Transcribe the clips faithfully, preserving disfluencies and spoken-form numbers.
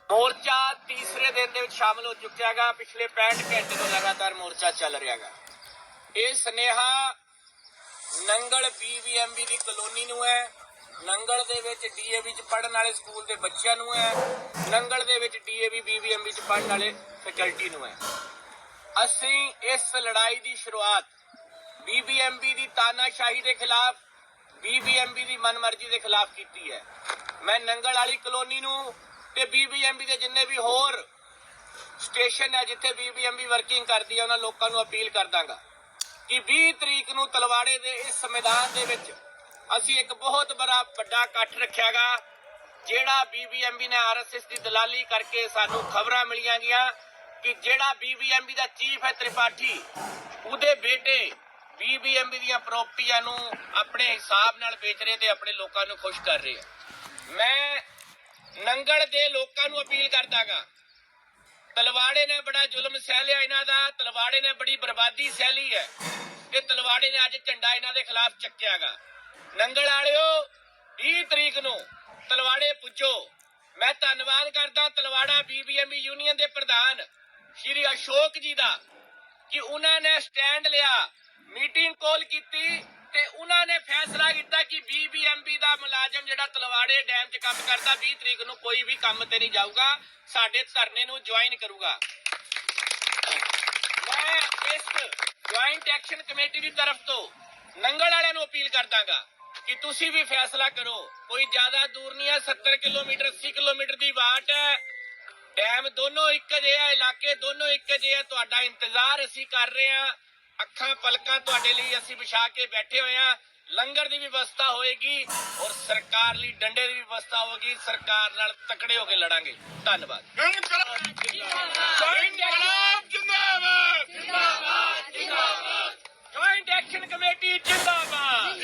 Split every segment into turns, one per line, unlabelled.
ਮੋਰਚਾ ਤੀਸਰੇ ਦਿਨ ਦੇ ਵਿੱਚ ਸ਼ਾਮਲ ਹੋ ਚੁੱਕਿਆ ਗਾ। ਪਿਛਲੇ ਪੈਂਹਠ ਘੰਟੇ ਤੋਂ ਲਗਾਤਾਰ ਮੋਰਚਾ ਚੱਲ ਰਿਹਾ ਗਾ। ਇਹ ਸੁਨੇਹਾ ਨੰਗਲ ਬੀਬੀਐਮਬੀ ਦੀ ਕਲੋਨੀ ਨੂੰ ਹੈ, ਨੰਗਲ ਦੇ ਵਿੱਚ ਡੀਏਵੀ ਚ ਪੜ੍ਹਨ ਵਾਲੇ ਸਕੂਲ ਦੇ ਬੱਚਿਆਂ ਨੂੰ ਹੈ, ਨੰਗਲ ਦੇ ਵਿੱਚ ਡੀਏਵੀ ਬੀਬੀਐਮਬੀ ਚ ਪੜ੍ਹਨ ਵਾਲੇ ਫੈਕਲਟੀ ਨੂੰ ਹੈ। ਅਸੀਂ ਇਸ ਲੜਾਈ ਦੀ ਸ਼ੁਰੂਆਤ ਬੀਬੀਐਮਬੀ ਦੀ ਤਾਨਾਸ਼ਾਹੀ ਦੇ ਖਿਲਾਫ, ਬੀਬੀਐਮਬੀ ਦੀ ਮਨਮਰਜ਼ੀ ਦੇ ਖਿਲਾਫ ਕੀਤੀ ਹੈ। ਮੈਂ ਨੰਗਲ ਵਾਲੀ ਕਲੋਨੀ ਨੂੰ ਤੇ ਬੀਬੀਐਮਬੀ ਦੇ ਜਿੰਨੇ ਵੀ ਹੋਰ ਸਟੇਸ਼ਨ ਹੈ ਜਿੱਥੇ ਬੀਬੀਐਮਬੀ ਵਰਕਿੰਗ ਕਰਦੀ ਹੈ ਉਹਨਾਂ ਲੋਕਾਂ ਨੂੰ ਅਪੀਲ ਕਰ ਦਾਂਗਾ ਕਿ ਵੀਹ ਤਰੀਕ ਨੂੰ ਤਲਵਾੜੇ ਦੇ ਇਸ ਮੈਦਾਨ ਦੇ ਵਿੱਚ ਅਸੀਂ ਇੱਕ ਬਹੁਤ ਬੜਾ ਵੱਡਾ ਇਕੱਠ ਰੱਖਿਆਗਾ। ਜਿਹੜਾ ਬੀਬੀਐਮਬੀ ਨੇ ਆਰਐਸਐਸ ਦੀ ਦਲਾਲੀ ਕਰਕੇ ਸਾਨੂੰ ਖਬਰਾਂ ਮਿਲੀਆਂ ਗਈਆਂ ਕਿ ਜਿਹੜਾ ਬੀਬੀਐਮਬੀ ਦਾ ਚੀਫ ਹੈ ਤ੍ਰਿਪਾਠੀ, ਉਹਦੇ ਬੇਟੇ ਬੀਬੀਐਮਬੀ ਦੀਆਂ ਪ੍ਰਾਪਰਟੀਆਂ ਨੂੰ ਆਪਣੇ ਹਿਸਾਬ ਨਾਲ ਵੇਚ ਰਹੇ ਤੇ ਆਪਣੇ ਲੋਕਾਂ ਨੂੰ ਖੁਸ਼ ਕਰ ਰਹੇ ਆ। ਮੈਂ ਨੰਗਲ ਦੇ ਲੋਕਾਂ ਨੂੰ ਅਪੀਲ ਕਰਦਾਗਾ, ਤਲਵਾੜੇ ਨੇ ਬੜਾ ਜ਼ੁਲਮ ਸਹਿ ਲਿਆ ਇਹਨਾਂ ਦਾ, ਤਲਵਾੜੇ ਨੇ ਬੜੀ ਬਰਬਾਦੀ ਸਹਿ ਲਈ ਹੈ ਤੇ ਤਲਵਾੜੇ ਨੇ ਅੱਜ ਝੰਡਾ ਇਹਨਾਂ ਦੇ ਖਿਲਾਫ ਚੱਕਿਆਗਾ। ਨੰਗਲ ਵਾਲਿਓ ਵੀਹ ਤਰੀਕ ਨੂੰ ਤਲਵਾੜੇ ਪੁੱਜੋ। ਮੈਂ ਧੰਨਵਾਦ ਕਰਦਾ ਤਲਵਾੜਾ ਬੀਬੀਐਮਬੀ ਯੂਨੀਅਨ ਦੇ ਪ੍ਰਧਾਨ ਸ਼੍ਰੀ ਅਸ਼ੋਕ ਜੀ ਦਾ ਕਿ ਉਹਨਾਂ ਨੇ ਸਟੈਂਡ ਲਿਆ, ਮੀਟਿੰਗ ਕਾਲ ਕੀਤੀ ਤੇ ਉਹਨਾਂ ਨੇ ਫੈਸਲਾ ਕੀਤਾ ਕਿ ਬੀਬੀਐਮਬੀ ਦਾ ਮੁਲਾਜ਼ਮ ਜਿਹੜਾ ਤਲਵਾੜੇ ਡੈਮ 'ਚ ਕੰਮ ਕਰਦਾ ਵੀਹ ਤਰੀਕ ਨੂੰ ਕੋਈ ਵੀ ਕੰਮ ਤੇ ਨਹੀਂ ਜਾਊਗਾ, ਸਾਡੇ ਧਰਨੇ ਨੂੰ ਜੁਆਇਨ ਕਰੂਗਾ। ਮੈਂ ਇਸ ਜੁਆਇੰਟ ਐਕਸ਼ਨ ਕਮੇਟੀ ਦੀ ਤਰਫ ਤੋਂ ਨੰਗਲ ਵਾਲਿਆਂ ਨੂੰ ਅਪੀਲ ਕਰਦਾਗਾ ਕਿ ਤੁਸੀਂ ਵੀ ਫੈਸਲਾ ਕਰੋ। ਕੋਈ ਜ਼ਿਆਦਾ ਦੂਰ ਨਹੀਂ ਹੈ, ਸੱਤਰ ਕਿਲੋਮੀਟਰ ਅੱਸੀ ਕਿਲੋਮੀਟਰ ਦੀ ਵਾਟ ਹੈ। ਡੈਮ ਦੋਨੋਂ ਇੱਕ ਜਿਹੇ ਆ, ਇਲਾਕੇ ਦੋਨੋਂ ਇੱਕ ਜਿਹੇ ਆ। ਤੁਹਾਡਾ ਇੰਤਜ਼ਾਰ ਅਸੀਂ ਕਰ ਰਹੇ ਹਾਂ, ਅੱਖਾਂ ਪਲਕਾਂ ਤੁਹਾਡੇ ਲਈ ਅਸੀਂ ਵਿਛਾ ਕੇ ਬੈਠੇ ਹੋਏ ਹਾਂ। ਲੰਗਰ ਦੀ ਵਿਵਸਥਾ ਹੋਏਗੀ ਔਰ ਸਰਕਾਰ ਲਈ ਡੰਡੇ ਦੀ ਵਿਵਸਥਾ ਹੋਗੀ। ਸਰਕਾਰ ਨਾਲ ਤਕੜੇ ਹੋ ਕੇ ਲੜਾਂਗੇ। ਧੰਨਵਾਦ। ਜੁਆਇੰਟ ਐਕਸ਼ਨ ਕमेटी जिंदाबाद।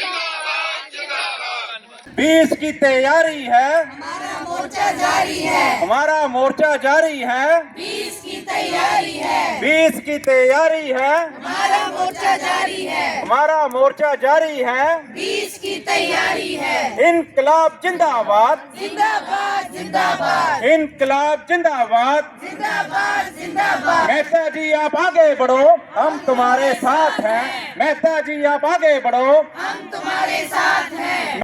बीस की तैयारी है,
हमारा मोर्चा जारी है,
हमारा मोर्चा जारी है,
बीस की तैयारी है,
बीस की तैयारी है,
हमारा मोर्चा जारी है,
हमारा मोर्चा जारी है।
बीस की तैयारी है।
इनकलाब जिंदाबाद,
जिंदाबाद जिंदाबाद
इनकलाब जिंदाबाद।
जिंदाबाद जिंदाबाद।
मेहता जी आप आगे बढ़ो, हम तुम्हारे साथ हैं। मेहता जी आप आगे बढ़ो,
हम तुम्हारे साथ हैं।